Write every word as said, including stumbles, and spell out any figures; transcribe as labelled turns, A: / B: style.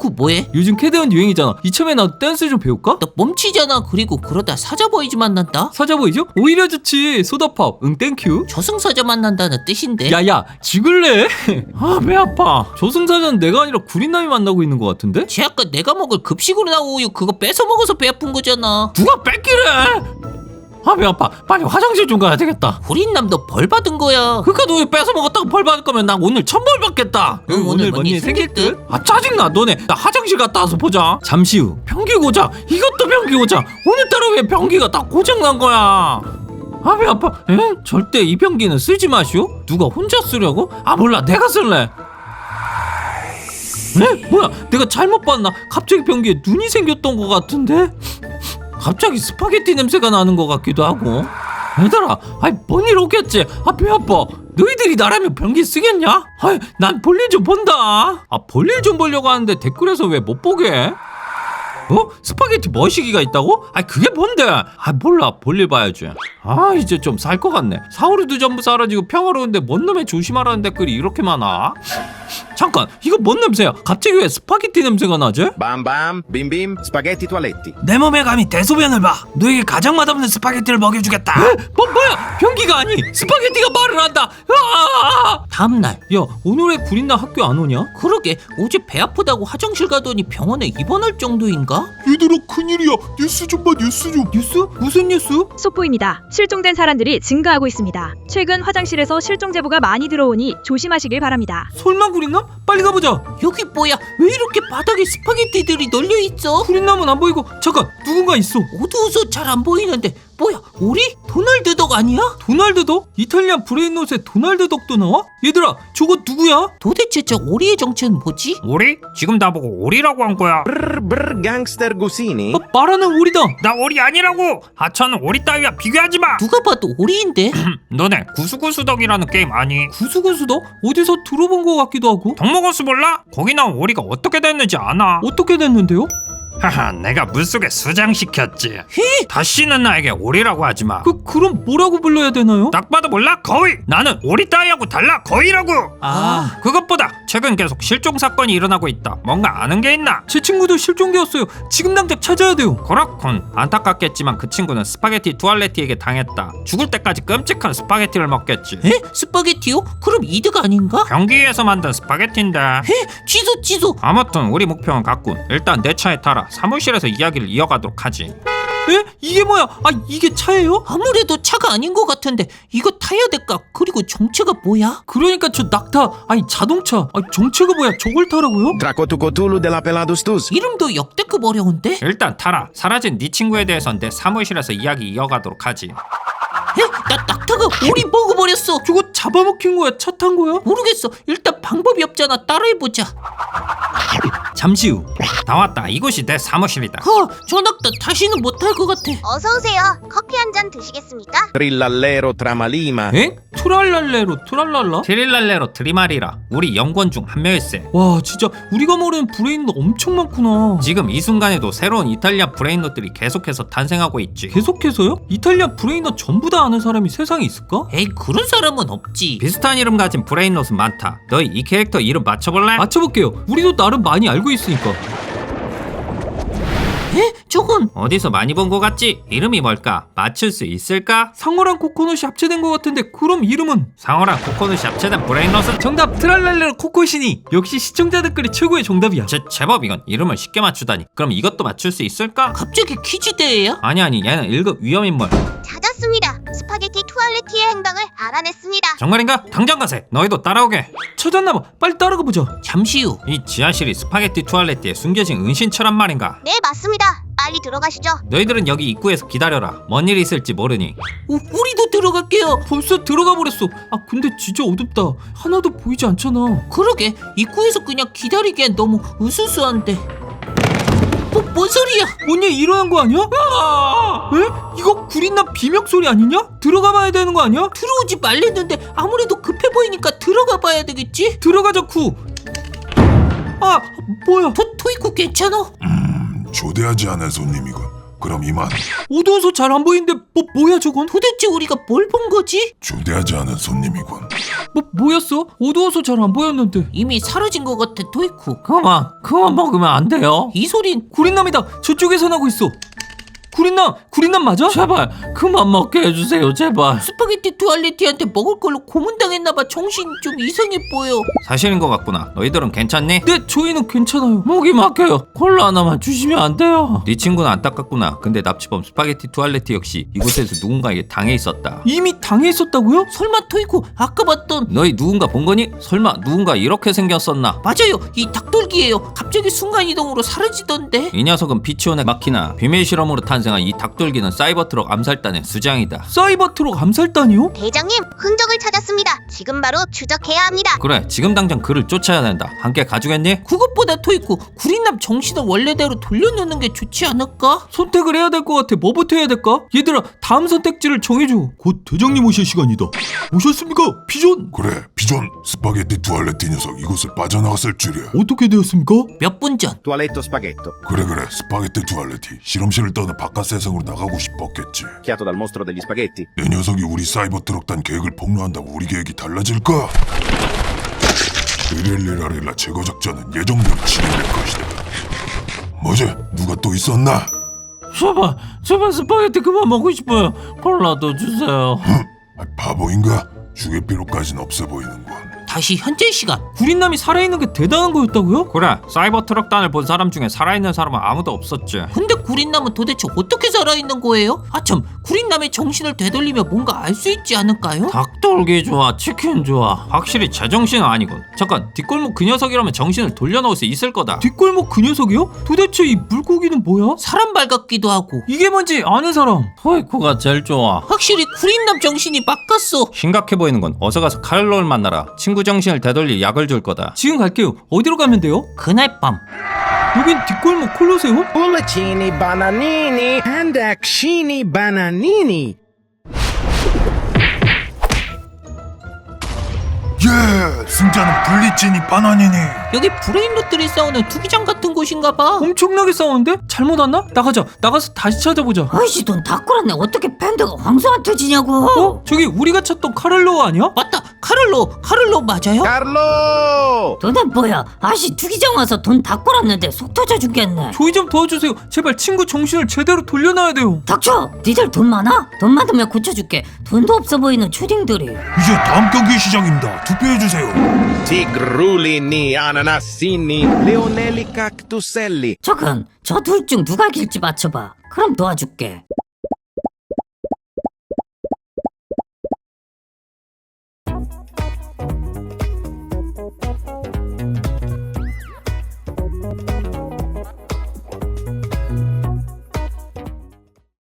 A: 덕후 뭐해?
B: 요즘 캐대원 유행이잖아. 이참에 나도 댄스 좀 배울까?
A: 너 멈치잖아. 그리고 그러다 사자보이즈 만난다.
B: 사자보이죠? 오히려 좋지. 소다팝. 응 땡큐.
A: 저승사자 만난다는 뜻인데.
B: 야야 죽을래? 아 배 아파. 저승사자는 내가 아니라 구린남이 만나고 있는 것 같은데?
A: 쟤 아까 내가 먹을 급식으로 나온 우유 그거 뺏어 먹어서 배 아픈 거잖아.
B: 누가 뺏기래? 아 배 아파. 빨리 화장실 좀 가야 되겠다.
A: 구린남도 벌 받은 거야.
B: 그니까 너 뺏어 먹었다고 벌 받을 거면 나 오늘 천벌 받겠다.
A: 응, 오늘 뭔 일 생길 듯?
B: 아 짜증나. 너네 나 화장실 갔다 와서 보자. 잠시 후 변기 고장. 이것도 변기 고장. 오늘따라 왜 변기가 다 고장난 거야? 아 배 아파. 에? 절대 이 변기는 쓰지 마시오. 누가 혼자 쓰려고? 아 몰라 내가 쓸래. 에? 뭐야 내가 잘못 봤나? 갑자기 변기에 눈이 생겼던 것 같은데? 갑자기 스파게티 냄새가 나는 것 같기도 하고. 얘들아 아이 뭔 일 없겠지? 아 배 아파. 너희들이 나라면 변기 쓰겠냐? 아이 난 볼일 좀 본다. 아 볼일 좀 보려고 하는데 댓글에서 왜 못 보게 해? 어? 스파게티 머시기가 있다고? 아이 그게 뭔데? 아 몰라 볼일 봐야지. 아 이제 좀 살 것 같네. 사오르도 전부 사라지고 평화로운데 뭔 놈의 조심하라는 댓글이 이렇게 많아? 잠깐 이거 뭔 냄새야? 갑자기 왜 스파게티 냄새가 나지?
C: Bam bam, bim bim, spaghetti toaletti.
B: 내 몸에 감히 대소변을 봐. 너에게 가장 맛없는 스파게티를 먹여주겠다. 에? 뭐 뭐야? 변기가 아니 스파게티가 말을 한다. 아!
A: 다음날.
B: 야 오늘의 구린나 학교 안 오냐?
A: 그러게 어제 배 아프다고 화장실 가더니 병원에 입원할 정도인가?
D: 얘들아 큰일이야. 뉴스 좀 봐 뉴스 좀.
B: 뉴스? 무슨 뉴스?
E: 속보입니다. 실종된 사람들이 증가하고 있습니다. 최근 화장실에서 실종 제보가 많이 들어오니 조심하시길 바랍니다.
B: 설마 구린나? 빨리 가보자.
A: 여기 뭐야? 왜 이렇게 바닥에 스파게티들이 널려 있어?
B: 구린나는 안 보이고 잠깐 누군가 있어.
A: 어두워서 잘 안 보이는데 뭐야? 오리? 도널드 덕 아니야?
B: 도날드 덕? 이탈리안 브레인롯에 도날드 덕도 나와? 얘들아 저거 누구야?
A: 도대체 저 오리의 정체는 뭐지?
F: 오리? 지금 나보고 오리라고 한 거야.
C: Brr brr gangster Gusini.
B: 아, 말하는 오리다.
F: 나 오리 아니라고. 하찮은 오리 따위와 비교하지 마.
A: 누가 봐도 오리인데?
F: 너네 구수구수덕이라는 게임 아니?
B: 구수구수 덕? 어디서 들어본 것 같기도 하고.
F: 덕먹어스 몰라? 거기 나온 오리가 어떻게 됐는지 아나?
B: 어떻게 됐는데요?
F: 하하, 내가 물속에 수장시켰지. 다시는 나에게 오리라고 하지 마.
B: 그 그럼 뭐라고 불러야 되나요?
F: 딱 봐도 몰라? 거위! 나는 오리 따위하고 달라 거위라고!
B: 아,
F: 그것보다 최근 계속 실종 사건이 일어나고 있다. 뭔가 아는 게 있나?
B: 제 친구도 실종되었어요. 지금 당장 찾아야 돼요.
F: 그렇군. 안타깝겠지만 그 친구는 스파게티 투알레티에게 당했다. 죽을 때까지 끔찍한 스파게티를 먹겠지.
A: 에? 스파게티요? 그럼 이득 아닌가?
F: 변기에서 만든 스파게티인데.
A: 에? 취소 취소.
F: 아무튼 우리 목표는 같군. 일단 내 차에 타라. 사무실에서 이야기를 이어가도록 하지.
B: 에? 이게 뭐야? 아 이게 차예요?
A: 아무래도 차가 아닌 것 같은데 이거 타야 될까? 그리고 정체가 뭐야?
B: 그러니까 저 낙타 아니 자동차 아니 정체가 뭐야? 저걸 타라고요?
C: Tracotucotulu della Peladustus.
A: 이름도 역대급 어려운데?
F: 일단 타라. 사라진 네 친구에 대해선 내 사무실에서 이야기 이어가도록 하지.
A: 에? 나 낙타가 오리 먹어버렸어.
B: 저거 잡아먹힌 거야? 차 탄 거야?
A: 모르겠어. 일단 방법이 없잖아. 따라해보자.
B: 잠시 후
F: 나왔다. 이곳이 내 사무실이다.
A: 허, 저 낙타 다시는 못할 것 같아.
G: 어서 오세요. 커피 한 잔 드시겠습니까?
C: Trillallero tramalima.
B: 엥? 투랄랄레로 투랄랄라?
F: 티릴랄레로 트리마리라. 우리 연구원 중 한 명일세.
B: 와 진짜 우리가 모르는 브레인도 엄청 많구나.
F: 지금 이 순간에도 새로운 이탈리아 브레인롯들이 계속해서 탄생하고 있지.
B: 계속해서요? 이탈리아 브레인넛 전부 다 아는 사람이 세상에 있을까?
A: 에이, 그런 사람은 없지.
F: 비슷한 이름 가진 브레인롯은 많다. 너희 이 캐릭터 이름 맞춰볼래?
B: 맞춰볼게요. 우리도 나름 많이 알고 있으니까.
A: 에? 저건
F: 어디서 많이 본 거 같지? 이름이 뭘까? 맞출 수 있을까?
B: 상어랑 코코넛이 합체된 것 같은데 그럼 이름은?
F: 상어랑 코코넛이 합체된 브레인롯은
B: 정답 트랄랄레로 코코시니. 역시 시청자 댓글이 최고의 정답이야.
F: 제, 제법 이건 이름을 쉽게 맞추다니. 그럼 이것도 맞출 수 있을까?
A: 갑자기 퀴즈 대회야?
F: 아니 아니 얘는 일 급 위험인물.
G: 찾았습니다. 스파게티 투알레티의 행방을 알아냈습니다.
F: 정말인가? 당장 가세. 너희도 따라오게.
B: 찾았나봐. 빨리 따라가 보자.
A: 잠시 후.
F: 이 지하실이 스파게티 투알레티에 숨겨진 은신처란 말인가?
G: 네, 맞습니다. 빨리 들어가시죠.
F: 너희들은 여기 입구에서 기다려라. 뭔 일이 있을지 모르니.
A: 우, 우리도 들어갈게요.
B: 벌써 들어가 버렸어. 아 근데 진짜 어둡다. 하나도 보이지 않잖아.
A: 그러게 입구에서 그냥 기다리기엔 너무 으스스한데. 뭐, 뭔 소리야?
B: 뭔 일 일어난 거 아니야? 아! 에? 이거 구린나 비명 소리 아니냐? 들어가 봐야 되는 거 아니야?
A: 들어오지 말랬는데 아무래도 급해 보이니까 들어가 봐야 되겠지?
B: 들어가자 쿠. 아 뭐야?
A: 토, 토이쿠 괜찮아?
D: 초대하지 않은 손님이군. 그럼 이만.
B: 어두워서 잘 안 보이는데 뭐 뭐야 저건?
A: 도대체 우리가 뭘 본 거지?
D: 주대하지 않은 손님이군.
B: 뭐 뭐였어? 어두워서 잘 안 보였는데.
A: 이미 사라진 것 같아 토이쿠.
B: 그만 그만 먹으면 안 돼요.
A: 이 소린
B: 구린남이다. 저쪽에서 나고 있어. 구린남 구린남 맞아? 제발 그만 먹게 해주세요 제발.
A: 스파게티 투알레티한테 먹을 걸로 고문당했나봐. 정신 좀 이상해 보여.
F: 사실인 것 같구나. 너희들은 괜찮니?
B: 네 저희는 괜찮아요. 목이 막혀요. 콜라 하나만 주시면 안 돼요?
F: 네 친구는 안타깝구나. 근데 납치범 스파게티 투알레티 역시 이곳에서 누군가에게 당해 있었다.
B: 이미 당해 있었다고요?
A: 설마 토이쿠 아까 봤던
F: 너희 누군가 본 거니? 설마 누군가 이렇게 생겼었나?
A: 맞아요. 이 닭돌기예요. 갑자기 순간이동으로 사라지던데.
F: 이 녀석은 피치온의 마키나 비밀 실험으로 탄생한 이 닭돌기는 사이버트럭 암살단의 수장이다.
B: 사이버트럭 암살단이요?
G: 대장님, 흔적을 찾았습니다. 지금 바로 추적해야 합니다.
F: 그래 지금 당장 그를 쫓아야 된다. 함께 가주겠니?
A: 그것보다 토이쿠 구린남 정신을 원래대로 돌려놓는 게 좋지 않을까?
B: 선택을 해야 될 것 같아. 뭐부터 해야 될까? 얘들아 다음 선택지를 정해줘.
D: 곧 대장님 오실 시간이다. 오셨습니까? 피존? 그래, 피존. 스파게티 투알레티 녀석 이곳을 빠져나갔을 줄이야.
B: 어떻게 되었습니까?
A: 몇 분 전.
C: Tualetto spaghetto.
D: 그래 그래, 스파게티 투알레티. 실험실을 떠나 바깥 세상으로 나가고 싶었겠지.
C: Chiato dal mostro degli spaghetti.
D: 내 녀석이 우리 사이버 트럭단 계획을 폭로한다고 우리 계획이 달라질까? 리렐리라릴라 제거 작전은 예정대로 진행될 것이다. 뭐지? 누가 또 있었나?
B: 제발 제발 스파게티 그만 먹고 싶어요. 콜라도 주세요.
D: 아, 바보인가? 죽일 필요까진 없어 보이는군.
A: 다시 현재 시간.
B: 구린남이 살아있는 게 대단한 거였다고요?
F: 그래 사이버트럭단을 본 사람 중에 살아있는 사람은 아무도 없었지.
A: 근데 구린남은 도대체 어떻게 살아있는 거예요? 아참 구린남의 정신을 되돌리며 뭔가 알 수 있지 않을까요?
B: 닭돌기 좋아 치킨 좋아.
F: 확실히 제정신은 아니군. 잠깐 뒷골목 그 녀석이라면 정신을 돌려놓을 수 있을 거다.
B: 뒷골목 그 녀석이요? 도대체 이 물고기는 뭐야?
A: 사람발 같기도 하고.
B: 이게 뭔지 아는 사람. 토이쿠가 제일 좋아.
A: 확실히 구린남 정신이 바뀌었어.
F: 심각해 보이는 건 어서 가서 카를로를 만나라. 친구 정신을 되돌릴 약을 줄 거다.
B: 지금 갈게요. 어디로 가면 돼요?
A: 그날 밤.
B: 여긴 뒷골목 콜로세움?
C: Pulcini, bananini, and accini, bananini.
D: 예! 승자는 블리치니 바나니니.
A: 여기 브레인롯들이 싸우는 투기장 같은 곳인가 봐.
B: 엄청나게 싸우는데? 잘못 왔나? 나가자. 나가서 다시 찾아보자.
H: 아이씨 돈 다 끌었네. 어떻게 밴드가 황소한테 지냐고.
B: 어? 저기 우리가 찾던 카를로 아니야?
A: 맞다. 카를로. 카를로 맞아요?
C: Carlo!
H: 너네 뭐야? 아씨 투기장 와서 돈 다 끌었는데 속 터져 죽겠네.
B: 저희 좀 도와주세요. 제발 친구 정신을 제대로 돌려놔야 돼요.
H: 닥쳐. 니들 돈 많아? 돈 많으면 고쳐줄게. 돈도 없어 보이는 초딩들이.
D: 이제 다음 경기 시작입니다. 투표해주세요.
C: Tigrulini, ananassini, leonelli, cactuselli.
H: 저건 저 둘 중 누가 길지 맞춰봐. 그럼 도와줄게.